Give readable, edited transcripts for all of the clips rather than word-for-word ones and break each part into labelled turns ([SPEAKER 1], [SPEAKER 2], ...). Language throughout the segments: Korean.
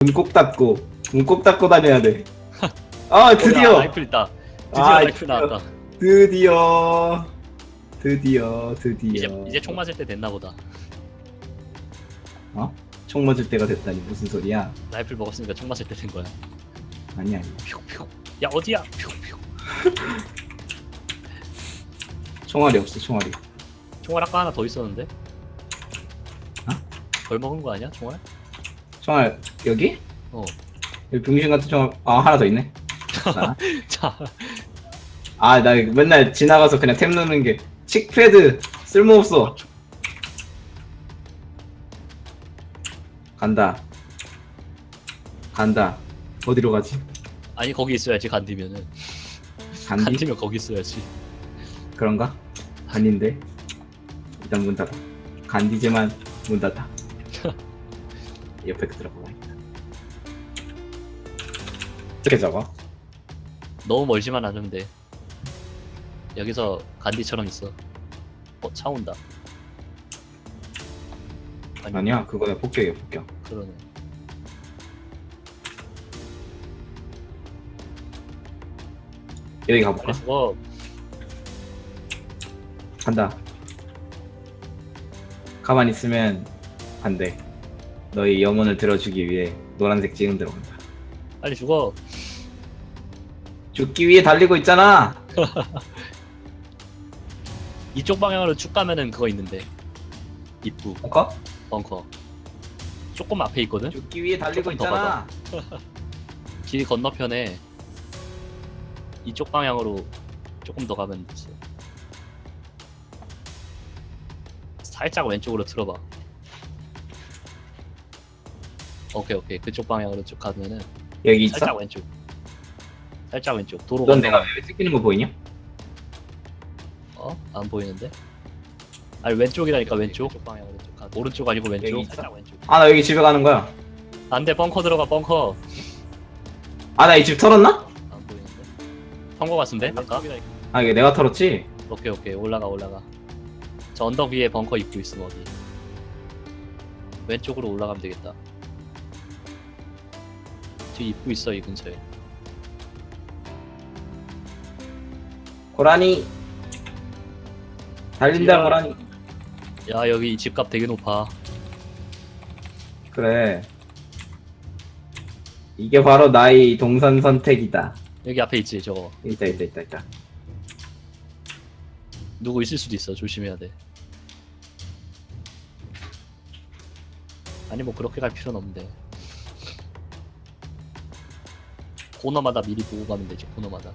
[SPEAKER 1] 문 꼭 닫고 문 꼭 닫고 다녀야 돼. 아 드디어
[SPEAKER 2] 라이플 있다. 드디어
[SPEAKER 1] 아,
[SPEAKER 2] 라이플 나왔다.
[SPEAKER 1] 드디어
[SPEAKER 2] 이제 총 맞을 때 됐나 보다.
[SPEAKER 1] 어? 총 맞을 때가 됐다니 무슨 소리야?
[SPEAKER 2] 라이플 먹었으니까 총 맞을 때 된 거야.
[SPEAKER 1] 아니야.
[SPEAKER 2] 퓨퓨. 야 어디야? 퓨퓨.
[SPEAKER 1] 총알이 없어 총알이.
[SPEAKER 2] 총알 아까 하나 더 있었는데?
[SPEAKER 1] 어?
[SPEAKER 2] 덜 먹은 거 아니야? 총알?
[SPEAKER 1] 총알 여기?
[SPEAKER 2] 어.
[SPEAKER 1] 여기 병신 같은 총알 하나 더 있네.
[SPEAKER 2] 자,
[SPEAKER 1] 나 맨날 지나가서 그냥 탭 누르는 게 칙패드 쓸모없어. 간다. 어디로 가지?
[SPEAKER 2] 아니 거기 있어야지 간디면은.
[SPEAKER 1] 간디?
[SPEAKER 2] 간디면 거기 있어야지.
[SPEAKER 1] 그런가? 아닌데. 일단 문 닫아. 간디지만 문 닫아. 옆에 들어가봐야겠다. 어떻게 적어?
[SPEAKER 2] 너무 멀지만 않으면 돼. 여기서 간디처럼 있어. 차 온다.
[SPEAKER 1] 아니야 그거야 폭격이야 폭격.
[SPEAKER 2] 그러네.
[SPEAKER 1] 여기 가볼까?
[SPEAKER 2] 빨리 죽어.
[SPEAKER 1] 간다. 가만히 있으면 안 돼. 너의 영혼을 들어주기 위해 노란색 지금 들어간다.
[SPEAKER 2] 빨리 죽어.
[SPEAKER 1] 죽기 위해 달리고 있잖아.
[SPEAKER 2] 이쪽 방향으로 쭉 가면은 그거 있는데. 입구
[SPEAKER 1] 벙커?
[SPEAKER 2] 벙커. 조금 앞에 있거든.
[SPEAKER 1] 죽기 위해 달리고
[SPEAKER 2] 조금 더
[SPEAKER 1] 있잖아.
[SPEAKER 2] 길 건너편에 이쪽 방향으로 조금 더 가면 있어. 살짝 왼쪽으로 틀어봐. 오케이 그쪽 방향으로 쭉 가면은
[SPEAKER 1] 여기 있어?
[SPEAKER 2] 살짝 왼쪽 도로
[SPEAKER 1] 넌
[SPEAKER 2] 건너.
[SPEAKER 1] 내가 왜 찍히는 거 보이냐?
[SPEAKER 2] 안 보이는데? 아니 왼쪽이라니까 왼쪽 방향으로 쭉 가. 오른쪽 아니고 왼쪽.
[SPEAKER 1] 여기 있어?
[SPEAKER 2] 살짝 왼쪽.
[SPEAKER 1] 나 여기 집에 가는 거야.
[SPEAKER 2] 안돼 벙커 들어가 벙커.
[SPEAKER 1] 나 이 집 털었나?
[SPEAKER 2] 안 보이는데? 턴거 같은데 아까?
[SPEAKER 1] 이게 내가 털었지?
[SPEAKER 2] 오케이 올라가. 저 언덕 위에 벙커 입구 있음 어디? 왼쪽으로 올라가면 되겠다. 뒤 입구 있어 이 근처에.
[SPEAKER 1] 고라니 달린다
[SPEAKER 2] 지하.
[SPEAKER 1] 고라니.
[SPEAKER 2] 야 여기 집값 되게 높아.
[SPEAKER 1] 그래 이게 바로 나의 동선 선택이다.
[SPEAKER 2] 여기 앞에 있지 저거.
[SPEAKER 1] 있다.
[SPEAKER 2] 누구 있을 수도 있어. 조심해야 돼. 아니 뭐 그렇게 갈 필요는 없는데. 코너마다 미리 보고 가면 되지. 코너마다.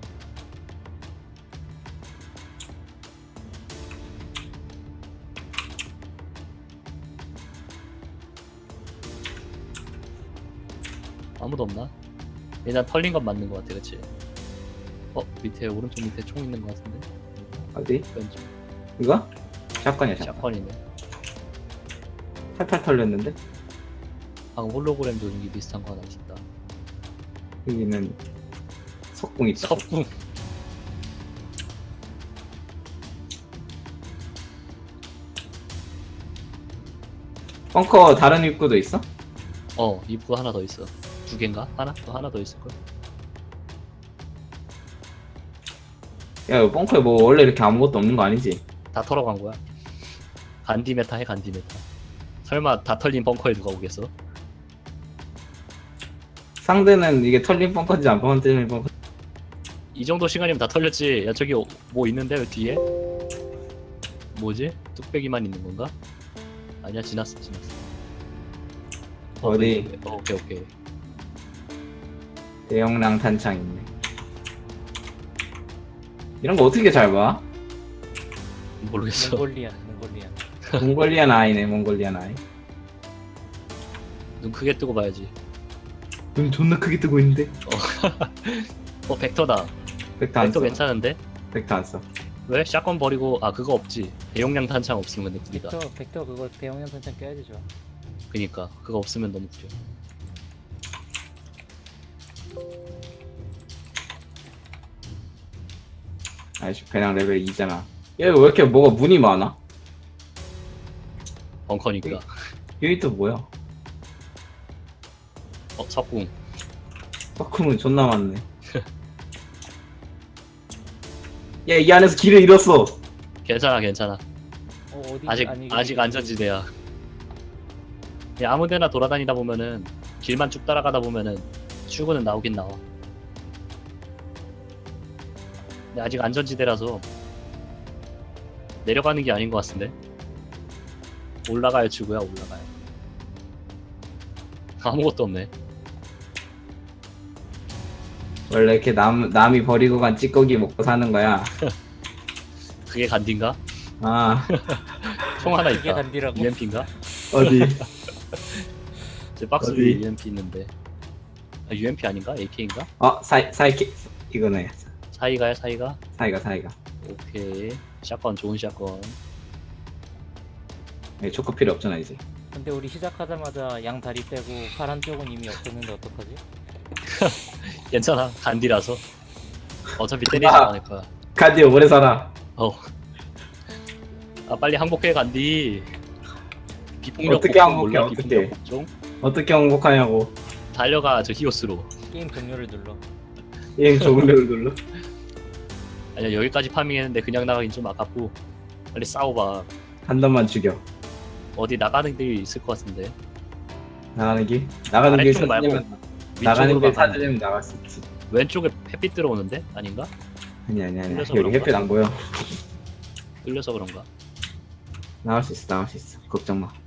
[SPEAKER 2] 아무도 없나? 일단 털린 건 맞는 것 같아, 그치? 밑에 오른쪽 밑에 총 있는 것 같은데?
[SPEAKER 1] 어디?
[SPEAKER 2] 왼쪽
[SPEAKER 1] 이거? 샷건이야 샷건.
[SPEAKER 2] 샷건이네.
[SPEAKER 1] 탈탈 털렸는데?
[SPEAKER 2] 방금 홀로그램 조준기 비슷한 거 하나 있었다.
[SPEAKER 1] 여기는 석궁 있다.
[SPEAKER 2] 석궁.
[SPEAKER 1] 벙커 다른 입구도 있어?
[SPEAKER 2] 입구 하나 더 있어. 두 개인가? 하나 더 있을걸?
[SPEAKER 1] 야 이거 벙커에 뭐 원래 이렇게 아무것도 없는 거 아니지?
[SPEAKER 2] 다 털어간 거야. 간디 메타 해, 간디 메타. 설마 다 털린 벙커에 누가 오겠어?
[SPEAKER 1] 상대는 이게 털린 벙커인지 안 털린 벙커.
[SPEAKER 2] 이 정도 시간이면 다 털렸지. 야, 저기 뭐 있는데, 왜 뒤에? 뭐지? 뚝배기만 있는 건가? 아니야, 지났어.
[SPEAKER 1] 어디?
[SPEAKER 2] 오케이.
[SPEAKER 1] 대용량 탄창 있네. 이런 거 어떻게 잘 봐?
[SPEAKER 2] 모르겠어.
[SPEAKER 1] 몽골리안 아이네 몽골리안 아이.
[SPEAKER 2] 눈 크게 뜨고 봐야지.
[SPEAKER 1] 눈 존나 크게 뜨고 있는데?
[SPEAKER 2] 벡터다.
[SPEAKER 1] 벡터 안
[SPEAKER 2] 벡터
[SPEAKER 1] 써.
[SPEAKER 2] 괜찮은데?
[SPEAKER 1] 벡터 안 써.
[SPEAKER 2] 왜? 샷건 버리고, 그거 없지. 대용량 탄창 없으면 근데 구리다.
[SPEAKER 3] 벡터 그거 대용량 탄창 껴야지 좋아.
[SPEAKER 2] 그니까. 그거 없으면 너무 구려.
[SPEAKER 1] 아이씨 그냥 레벨 2잖아. 야 왜 이렇게 뭐가 문이 많아?
[SPEAKER 2] 벙커니까.
[SPEAKER 1] 여기 또 뭐야?
[SPEAKER 2] 석궁.
[SPEAKER 1] 석궁은 존나 많네. 야, 이 안에서 길을 잃었어.
[SPEAKER 2] 괜찮아 괜찮아.
[SPEAKER 3] 어디
[SPEAKER 2] 아직 안전지대야. 그냥 아무데나 돌아다니다 보면은 길만 쭉 따라가다 보면은 출구는 나오긴 나와. 근데 아직 안전지대라서 내려가는 게 아닌 것 같은데. 올라가야 출구야 올라가야. 아무것도 없네.
[SPEAKER 1] 원래 이렇게 남이 버리고 간 찌꺼기 먹고 사는 거야.
[SPEAKER 2] 그게 간디인가?
[SPEAKER 1] 아,
[SPEAKER 2] 총 하나
[SPEAKER 3] 이게
[SPEAKER 2] 있다.
[SPEAKER 3] 간디라고?
[SPEAKER 2] UMP인가?
[SPEAKER 1] 어디?
[SPEAKER 2] 제 박스
[SPEAKER 1] 어디?
[SPEAKER 2] 위에 UMP 있는데. 아, UMP 아닌가? AK인가?
[SPEAKER 1] 사이키, 이거네.
[SPEAKER 2] 사이가야 사이가?
[SPEAKER 1] 사이가.
[SPEAKER 2] 오케이. 샷건 좋은 샷건.
[SPEAKER 1] 초코 필요 없잖아, 이제.
[SPEAKER 3] 근데 우리 시작하자마자 양 다리 빼고 파란 쪽은 이미 없었는데 어떡하지?
[SPEAKER 2] 괜찮아. 간디라서. 어차피 때리지
[SPEAKER 1] 아.
[SPEAKER 2] 않을 거야.
[SPEAKER 1] 간디 오래 살아.
[SPEAKER 2] 아 빨리 항복해 간디. 비폭력
[SPEAKER 1] 어떻게
[SPEAKER 2] 복종
[SPEAKER 1] 항복해,
[SPEAKER 2] 몰라?
[SPEAKER 1] 어떻게?
[SPEAKER 2] 비폭력 복종?
[SPEAKER 1] 어떻게 행복하냐고.
[SPEAKER 2] 달려가 저 히오스로.
[SPEAKER 3] 게임 종료를 눌러.
[SPEAKER 1] 얘 종료를 눌러.
[SPEAKER 2] 아니야 여기까지 파밍했는데 그냥 나가긴 좀 아깝고 빨리 싸워봐.
[SPEAKER 1] 한 단만 죽여.
[SPEAKER 2] 어디 나가는 길이 있을 것 같은데.
[SPEAKER 1] 나가는 길? 나가는 길
[SPEAKER 2] 아래쪽 말고
[SPEAKER 1] 찾으려면 나가는
[SPEAKER 2] 위쪽으로
[SPEAKER 1] 길
[SPEAKER 2] 가면
[SPEAKER 1] 찾으려면 나갈 수 있지.
[SPEAKER 2] 왼쪽에 햇빛 들어오는데? 아닌가?
[SPEAKER 1] 아니야.
[SPEAKER 2] 뚫려서
[SPEAKER 1] 여기
[SPEAKER 2] 그런가?
[SPEAKER 1] 햇빛 안 보여.
[SPEAKER 2] 뚫려서 그런가?
[SPEAKER 1] 나갈 수 있어. 걱정 마.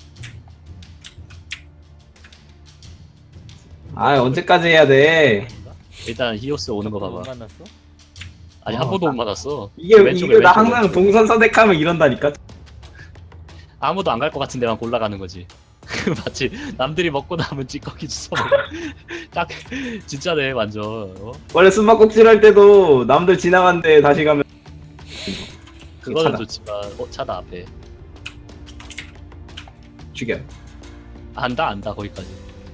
[SPEAKER 1] 아, 언제까지 해야 돼?
[SPEAKER 2] 아닌가? 일단 히오스 오는 거
[SPEAKER 3] 못
[SPEAKER 2] 봐봐.
[SPEAKER 3] 만났어?
[SPEAKER 2] 아니 한 번도 못 맞았어.
[SPEAKER 1] 이게
[SPEAKER 2] 왼쪽에,
[SPEAKER 1] 나
[SPEAKER 2] 왼쪽,
[SPEAKER 1] 항상
[SPEAKER 2] 왼쪽.
[SPEAKER 1] 동선 선택하면 이런다니까.
[SPEAKER 2] 아무도 안 갈 것 같은 데만 골라가는 거지. 마치 남들이 먹고 남은 찌꺼기 주워 먹어. 딱 진짜네 완전.
[SPEAKER 1] 원래 숨바꼭질 할 때도 남들 지나간데 다시 가면
[SPEAKER 2] 그거는
[SPEAKER 1] 차다.
[SPEAKER 2] 좋지만 차다 앞에.
[SPEAKER 1] 죽여.
[SPEAKER 2] 안다 거기까지.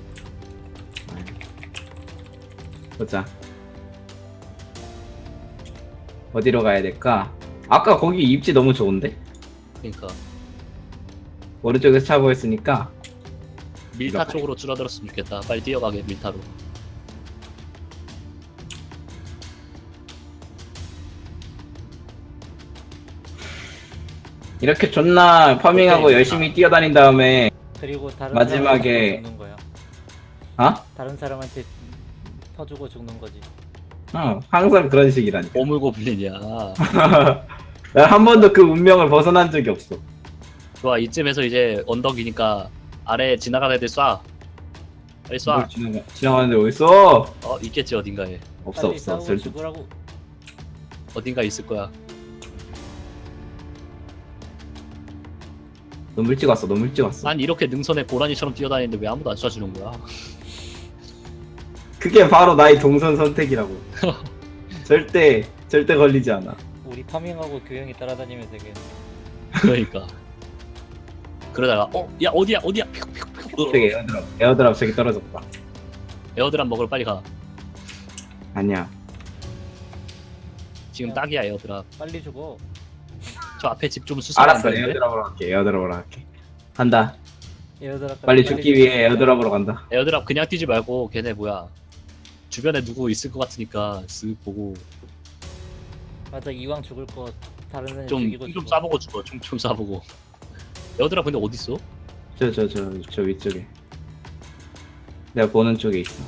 [SPEAKER 1] 보자. 어디로 가야 될까? 아까 거기 입지 너무 좋은데?
[SPEAKER 2] 그러니까
[SPEAKER 1] 오른쪽에서 차 보였으니까
[SPEAKER 2] 밀타
[SPEAKER 1] 이거.
[SPEAKER 2] 쪽으로 줄어들었으면 좋겠다. 빨리 뛰어가게 밀타로.
[SPEAKER 1] 이렇게 존나 파밍하고
[SPEAKER 2] 오케이.
[SPEAKER 1] 열심히 뛰어다닌 다음에
[SPEAKER 3] 그리고 다른
[SPEAKER 1] 마지막에-
[SPEAKER 3] 사람한테 죽는 거야.
[SPEAKER 1] 어?
[SPEAKER 3] 다른 사람한테 퍼주고 죽는 거지.
[SPEAKER 1] 항상 그런 식이라니까.
[SPEAKER 2] 보물고블린이야.
[SPEAKER 1] 나 한 번도 그 운명을 벗어난 적이 없어.
[SPEAKER 2] 좋아 이쯤에서 이제 언덕이니까 아래 지나가는 애들 쏴. 빨리 쏴.
[SPEAKER 1] 뭘 지나가는데 어딨어?
[SPEAKER 2] 있겠지 어딘가에.
[SPEAKER 1] 없어.
[SPEAKER 3] 빨리 싸우고
[SPEAKER 1] 절대.
[SPEAKER 3] 죽으라고.
[SPEAKER 2] 어딘가 있을 거야.
[SPEAKER 1] 너무 일찍 왔어.
[SPEAKER 2] 난 이렇게 능선에 고라니처럼 뛰어다니는데 왜 아무도 안 쏴주는 거야?
[SPEAKER 1] 그게 바로 나의 동선 선택이라고. 절대 걸리지 않아.
[SPEAKER 3] 우리 파밍하고 교영이 따라다니면서 되게
[SPEAKER 2] 그러니까. 그러다가 야 어디야?
[SPEAKER 1] 저기 에어드랍 저기 떨어졌다.
[SPEAKER 2] 에어드랍 먹으러 빨리 가.
[SPEAKER 1] 아니야.
[SPEAKER 2] 지금 딱이야 에어드랍.
[SPEAKER 3] 빨리 죽어.
[SPEAKER 2] 저 앞에 집 좀 수습 안
[SPEAKER 1] 알았어.
[SPEAKER 2] 되는데?
[SPEAKER 1] 에어드랍으로 할게. 간다.
[SPEAKER 3] 에어드랍
[SPEAKER 1] 빨리 죽기 위해 에어드랍으로 간다.
[SPEAKER 2] 에어드랍 그냥 뛰지 말고 걔네 뭐야 주변에 누구 있을 것 같으니까 쓱 보고
[SPEAKER 3] 맞아, 이왕 죽을 거 다른 사람
[SPEAKER 2] 좀
[SPEAKER 3] 죽이고
[SPEAKER 2] 좀
[SPEAKER 3] 죽어.
[SPEAKER 2] 쏴보고 죽어. 좀 쏴보고. 에어드랍 근데 어디 있어?
[SPEAKER 1] 저 위쪽에. 내가 보는 쪽에 있어.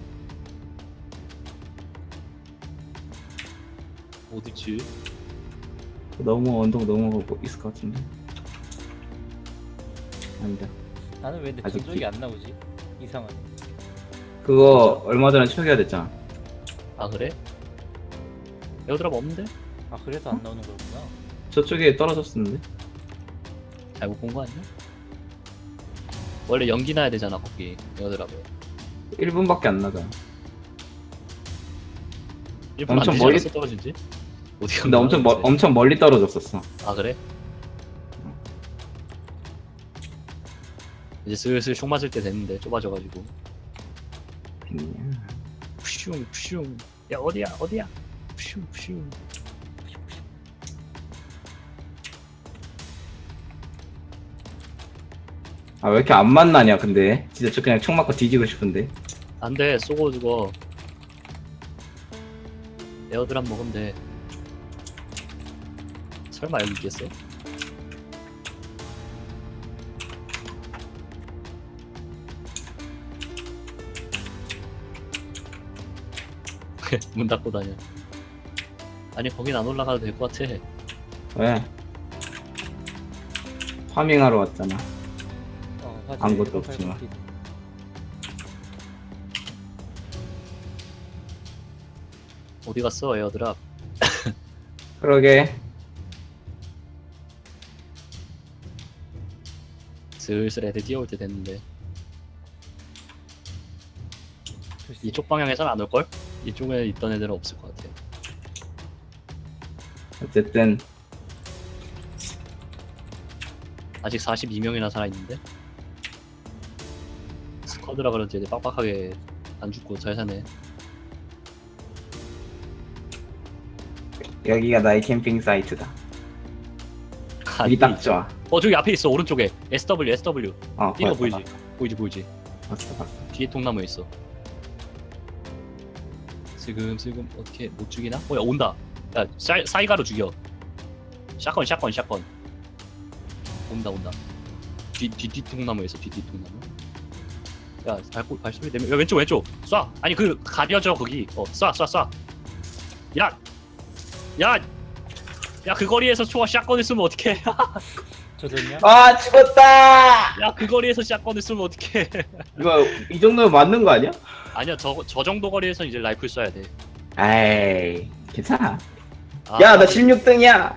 [SPEAKER 2] 어디지?
[SPEAKER 1] 너무 언덕 넘어가고 있을 것 같은데. 아니다.
[SPEAKER 3] 나는 왜 내
[SPEAKER 1] 아직
[SPEAKER 3] 전적이 안 나오지? 이상하네.
[SPEAKER 1] 그거 얼마 전에 초기화 됐잖아.
[SPEAKER 2] 아 그래? 에어드랍 없는데?
[SPEAKER 3] 아, 그래서 안 나오는 거구나.
[SPEAKER 1] 저쪽에 떨어졌었는데.
[SPEAKER 2] 잘못 본 거 아니야? 원래 연기 나야 되잖아 거기 에어드랍에.
[SPEAKER 1] 1분밖에 안 나잖아.
[SPEAKER 2] 1분 안
[SPEAKER 1] 엄청
[SPEAKER 2] 되지
[SPEAKER 1] 멀리-
[SPEAKER 2] 않았어 떨어진지? 어디
[SPEAKER 1] 근데 엄청 멀리 떨어졌었어.
[SPEAKER 2] 아 그래? 이제 슬슬 총 맞을 때 됐는데 좁아져가지고 푸슝 야 어디야 푸슝
[SPEAKER 1] 아, 왜 이렇게 안 만나냐, 근데. 진짜 저 그냥 총 맞고 뒤지고 싶은데.
[SPEAKER 2] 안돼 쏘고 죽어. 에어드랍 먹으면 돼. 설마 여기 있겠어? 문 닫고 다녀. 아니 거긴 안 올라가도 될 것 같아.
[SPEAKER 1] 왜? 파밍하러 왔잖아.
[SPEAKER 3] 화질
[SPEAKER 1] 아무것도
[SPEAKER 3] 1.8
[SPEAKER 1] 없지만.
[SPEAKER 3] 스피드.
[SPEAKER 2] 어디 갔어 에어드랍?
[SPEAKER 1] 그러게.
[SPEAKER 2] 슬슬 애들 뛰어올 때 됐는데
[SPEAKER 3] 글쎄.
[SPEAKER 2] 이쪽 방향에선 안 올걸? 이쪽에 있던 애들은 없을 것 같아.
[SPEAKER 1] 어쨌든
[SPEAKER 2] 아직 42명이나 살아있는데 스쿼드라 그런지 애들 빡빡하게 안 죽고 잘 사네.
[SPEAKER 1] 여기가 나의 캠핑 사이트다. 여기 딱 좋아.
[SPEAKER 2] 저기 앞에 있어 오른쪽에 SW 뛰는 거
[SPEAKER 1] 보였다,
[SPEAKER 2] 보이지? 보이지?
[SPEAKER 1] 봤어.
[SPEAKER 2] 뒤에 통나무에 있어. 슬금 어떻게 못 죽이나? 야 온다. 야 사이가로 죽여. 샷건 온다. 뒤 통나무에 있어. 뒤 통나무. 야 발소리 내면 야 왼쪽 쏴. 아니 그 가려져 거기. 쏴. 야 그 거리에서 초가 샷건을 쓰면 어떡해.
[SPEAKER 3] 저전요?
[SPEAKER 1] 아 죽었다.
[SPEAKER 2] 야 그 거리에서 샷건을 쓰면 어떡해.
[SPEAKER 1] 이거 이 정도면 맞는 거 아니야?
[SPEAKER 2] 아니야 저 정도 거리에서 이제 라이플 쏴야 돼.
[SPEAKER 1] 에이 괜찮아.
[SPEAKER 2] 아,
[SPEAKER 1] 야 나 16등이야.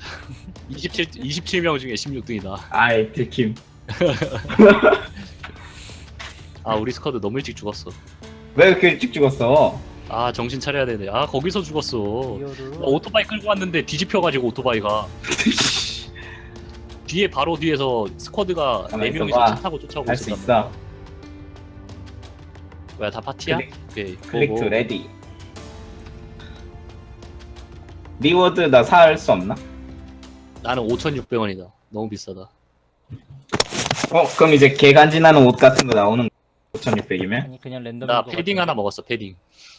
[SPEAKER 2] 27명 중에 16등이다.
[SPEAKER 1] 아이 들킴.
[SPEAKER 2] 아 우리 스쿼드 너무 일찍 죽었어.
[SPEAKER 1] 왜 이렇게 일찍 죽었어?
[SPEAKER 2] 아 정신 차려야 되네. 아 거기서 죽었어.
[SPEAKER 3] 리얼로
[SPEAKER 2] 나 오토바이 끌고 왔는데 뒤집혀가지고 오토바이가 뒤에 바로 뒤에서 스쿼드가
[SPEAKER 1] 가만히
[SPEAKER 2] 4명이서
[SPEAKER 1] 있어봐.
[SPEAKER 2] 차 타고 쫓아오고
[SPEAKER 1] 할 수
[SPEAKER 2] 있었단
[SPEAKER 1] 있어.
[SPEAKER 2] 말이야. 뭐야 다 파티야? 오케이
[SPEAKER 1] 클릭
[SPEAKER 2] 고고.
[SPEAKER 1] 투 레디. 리워드 나 살 수 없나?
[SPEAKER 2] 나는 5,600원이다. 너무 비싸다.
[SPEAKER 1] 그럼 이제 개간지나는 옷 같은 거 나오는 5,600이면?
[SPEAKER 3] 아니 그냥 랜덤인
[SPEAKER 2] 나
[SPEAKER 3] 것
[SPEAKER 2] 패딩
[SPEAKER 3] 같은데.
[SPEAKER 2] 하나 먹었어. 패딩.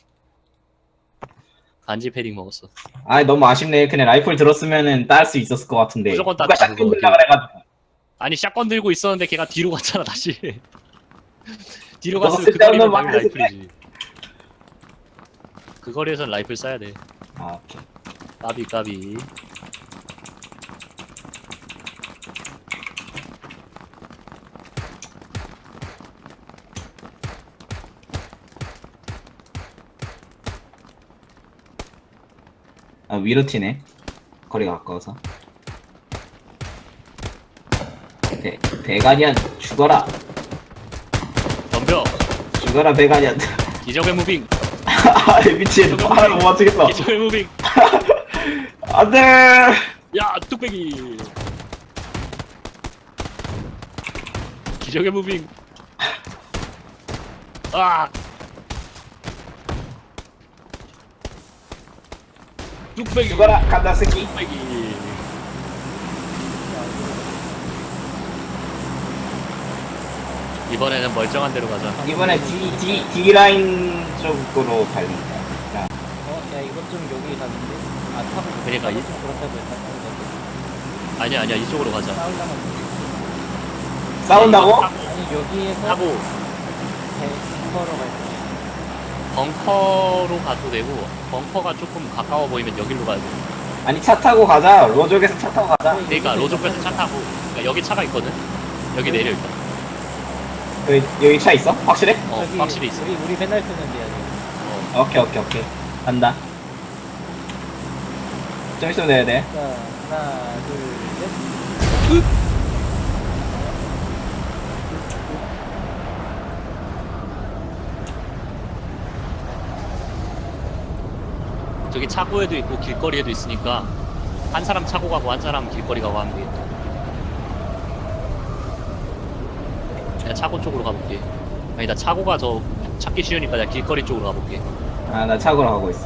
[SPEAKER 2] 간지 패딩 먹었어.
[SPEAKER 1] 아 너무 아쉽네. 그냥 라이플 들었으면은 딸 수 있었을 것 같은데.
[SPEAKER 2] 무조건
[SPEAKER 1] 누가
[SPEAKER 2] 땄다,
[SPEAKER 1] 샷건
[SPEAKER 2] 그거.
[SPEAKER 1] 들라 그래가지고.
[SPEAKER 2] 아니 샷건 들고 있었는데 걔가 뒤로 갔잖아 다시. 뒤로
[SPEAKER 1] 너가
[SPEAKER 2] 갔으면 그
[SPEAKER 1] 쓸데없는
[SPEAKER 2] 거리면
[SPEAKER 1] 말
[SPEAKER 2] 당연히
[SPEAKER 1] 해서
[SPEAKER 2] 라이플이지. 그 거리에선 라이플 쏴야 돼.
[SPEAKER 1] 아 오케이.
[SPEAKER 2] 까비.
[SPEAKER 1] 아 위로 튀네. 거리가 가까워서. 배가니안 죽어라.
[SPEAKER 2] 덤벼.
[SPEAKER 1] 죽어라 배가니안.
[SPEAKER 2] 기적의 무빙.
[SPEAKER 1] 아 미친. 하나를 못 맞추겠어.
[SPEAKER 2] 기적의 무빙.
[SPEAKER 1] 안돼.
[SPEAKER 2] 야 뚝배기. 기적의 무빙. 아. 뚝배기.
[SPEAKER 1] 죽어라 간다 새끼.
[SPEAKER 2] 뚝배기. 이번에는 멀쩡한 데로 가자.
[SPEAKER 1] 이번에 D 라인 쪽으로 달린다.
[SPEAKER 3] 야 이것 좀 여기 가는데. 아 타고
[SPEAKER 2] 그러니까
[SPEAKER 3] 타고
[SPEAKER 2] 이-
[SPEAKER 3] 좀 그렇다고 했다.
[SPEAKER 2] 아니야 이쪽으로 가자.
[SPEAKER 3] 싸우려면
[SPEAKER 1] 싸운다고?
[SPEAKER 3] 아니 여기에서
[SPEAKER 2] 타고
[SPEAKER 3] 벙커로 갈 거야.
[SPEAKER 2] 벙커로 가도 되고 벙커가 조금 가까워 보이면 여기로 가야 돼.
[SPEAKER 1] 아니 차 타고 가자. 로족에서 차 타고 가자.
[SPEAKER 2] 그러니까 로족에서 차 타고 그러니까 여기 차가 있거든. 여기 내려 일단.
[SPEAKER 1] 여기 차 있어? 확실해?
[SPEAKER 3] 저기
[SPEAKER 2] 확실히 있어.
[SPEAKER 3] 우리 맨날 쓰는 데야.
[SPEAKER 2] 어.
[SPEAKER 1] 오케이. 간다. 좀 있으면 내야 돼.
[SPEAKER 3] 자 하나 둘 셋.
[SPEAKER 2] 저기 차고에도 있고 길거리에도 있으니까 한 사람 차고 가고 한 사람 길거리 가고 하면 되겠다. 내가 차고 쪽으로 가볼게. 아니 나 차고가 더 찾기 쉬우니까 내가 길거리 쪽으로 가볼게.
[SPEAKER 1] 아, 나 차고로 가고 있어.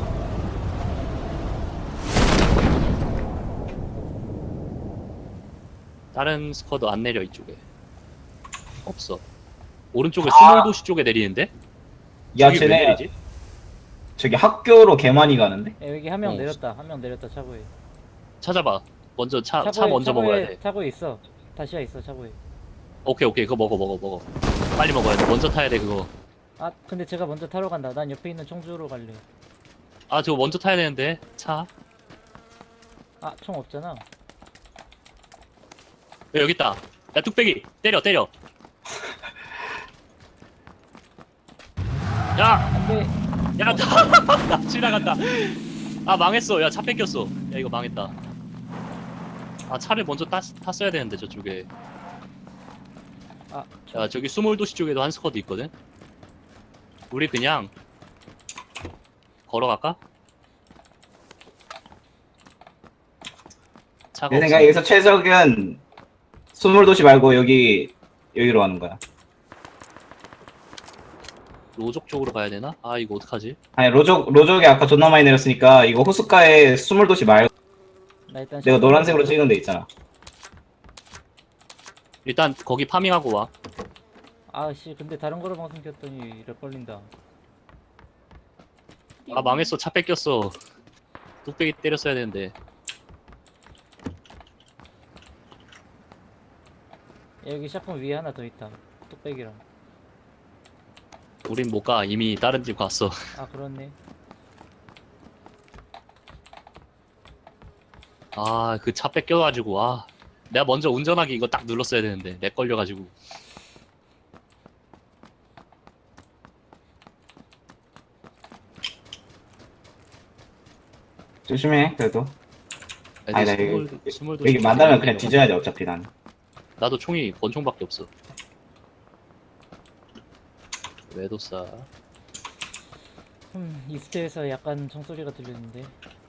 [SPEAKER 2] 다른 스쿼드 안 내려 이쪽에. 없어. 오른쪽에
[SPEAKER 1] 아.
[SPEAKER 2] 스몰 도시 쪽에 내리는데?
[SPEAKER 1] 야
[SPEAKER 2] 저기 왜
[SPEAKER 1] 쟤네
[SPEAKER 2] 내리지?
[SPEAKER 1] 저기 학교로 개 많이 가는데?
[SPEAKER 3] 야, 여기 한 명
[SPEAKER 2] 어.
[SPEAKER 3] 내렸다. 한 명 내렸다 차고에.
[SPEAKER 2] 찾아봐. 먼저 차 먼저 먹어야 돼.
[SPEAKER 3] 차고에 있어. 다시야 있어 차고에.
[SPEAKER 2] 오케이 그거 먹어. 빨리 먹어야 돼. 먼저 타야 돼 그거.
[SPEAKER 3] 아 근데 제가 먼저 타러 간다. 난 옆에 있는 총주로 갈래.
[SPEAKER 2] 아 저거 먼저 타야 되는데 차.
[SPEAKER 3] 아 총 없잖아.
[SPEAKER 2] 야, 여기 있다. 야 뚝배기 때려. 야,
[SPEAKER 3] 안돼.
[SPEAKER 2] 야, 나 지나간다. 아 망했어. 야 차 뺏겼어. 야 이거 망했다. 아 차를 먼저 탔어야 되는데 저쪽에.
[SPEAKER 3] 아
[SPEAKER 2] 야 저기 수몰도시 쪽에도 한 스쿼드 있거든. 우리 그냥 걸어갈까? 차가
[SPEAKER 1] 내
[SPEAKER 2] 없어.
[SPEAKER 1] 생각에 여기서 최적은 수몰도시 말고 여기로 가는 거야.
[SPEAKER 2] 로족 쪽으로 가야 되나? 아 이거 어떡하지?
[SPEAKER 1] 아니 로족이 아까 존나 많이 내렸으니까 이거 호숫가에 수몰도시 말고
[SPEAKER 3] 나 일단
[SPEAKER 1] 내가 노란색으로 찍은 데 있잖아.
[SPEAKER 2] 일단 거기 파밍하고 와.
[SPEAKER 3] 아씨 근데 다른 거로 방송 켰더니 렉 걸린다.
[SPEAKER 2] 아 망했어. 차 뺏겼어. 뚝배기 때렸어야 되는데.
[SPEAKER 3] 야, 여기 샷건 위에 하나 더 있다. 뚝배기랑.
[SPEAKER 2] 우린 못 가. 이미 다른 집 갔어.
[SPEAKER 3] 아 그렇네.
[SPEAKER 2] 아 그 차 뺏겨가지고 아 내가 먼저 운전하기 이거 딱 눌렀어야 되는데 렉 걸려가지고.
[SPEAKER 1] 조심해 그래도. 아니, 나
[SPEAKER 2] 스물도
[SPEAKER 1] 여기 만나면 그냥 뒤져야 돼 어차피 나는.
[SPEAKER 2] 나도 총이 권총밖에 없어. 외도싸.
[SPEAKER 3] 이스트에서 약간 총소리가 들렸는데.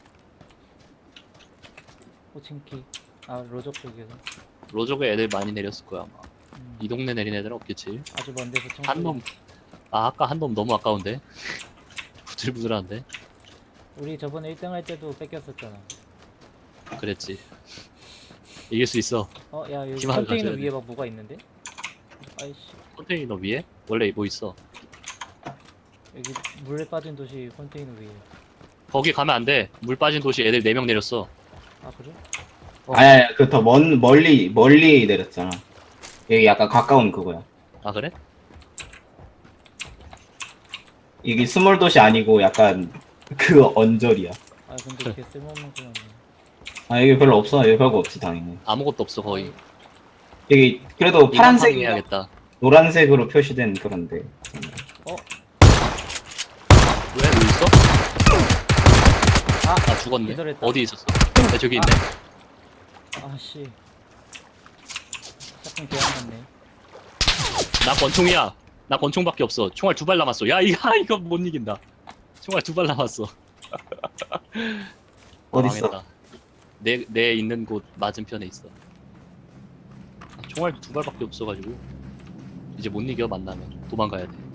[SPEAKER 3] 호칭키. 아 로족 쪽에서.
[SPEAKER 2] 로족에 애들 많이 내렸을 거야 아마.
[SPEAKER 3] 음,
[SPEAKER 2] 이 동네 내린 애들은 없겠지.
[SPEAKER 3] 아주 먼 데서 총소리.
[SPEAKER 2] 한 놈. 아 아까 한 놈 너무 아까운데. 부들부들한데.
[SPEAKER 3] 우리 저번에 1등 할 때도 뺏겼었잖아.
[SPEAKER 2] 그랬지. 이길 수 있어.
[SPEAKER 3] 야 여기
[SPEAKER 2] 희망을
[SPEAKER 3] 컨테이너
[SPEAKER 2] 가져야
[SPEAKER 3] 위에 막 뭐가 있는데? 아이씨
[SPEAKER 2] 컨테이너 위에? 원래 뭐 있어.
[SPEAKER 3] 여기 물에 빠진 도시 컨테이너 위에.
[SPEAKER 2] 거기 가면 안 돼. 물 빠진 도시 애들 4명 내렸어.
[SPEAKER 3] 아 그래?
[SPEAKER 1] 아니 그 더 멀리 내렸잖아. 여기 약간 가까운 그거야.
[SPEAKER 2] 아 그래?
[SPEAKER 1] 이게 스몰도시 아니고 약간 그 언저리야.
[SPEAKER 3] 아 근데 이렇게 쓸모없는 거 같네.
[SPEAKER 1] 아 여기 별로 없어. 여기 별거 없지 당연히.
[SPEAKER 2] 아무것도 없어 거의.
[SPEAKER 1] 여기 그래도 파란색
[SPEAKER 2] 해야겠다.
[SPEAKER 1] 노란색으로 표시된 그런데.
[SPEAKER 2] 왜 여기 있어? 아 죽었네.
[SPEAKER 3] 기절했다.
[SPEAKER 2] 어디 있었어? 야, 저기 있네.
[SPEAKER 3] 아씨. 샷건 개안맞네.
[SPEAKER 2] 나 권총이야. 나 권총밖에 없어. 총알 2발 남았어. 야 이거 못 이긴다. 총알 2발 남았어.
[SPEAKER 1] 어딨어?
[SPEAKER 2] 망했다. 내 있는 곳 맞은편에 있어. 총알 2발밖에 없어가지고 이제 못 이겨 만나면 도망가야 돼.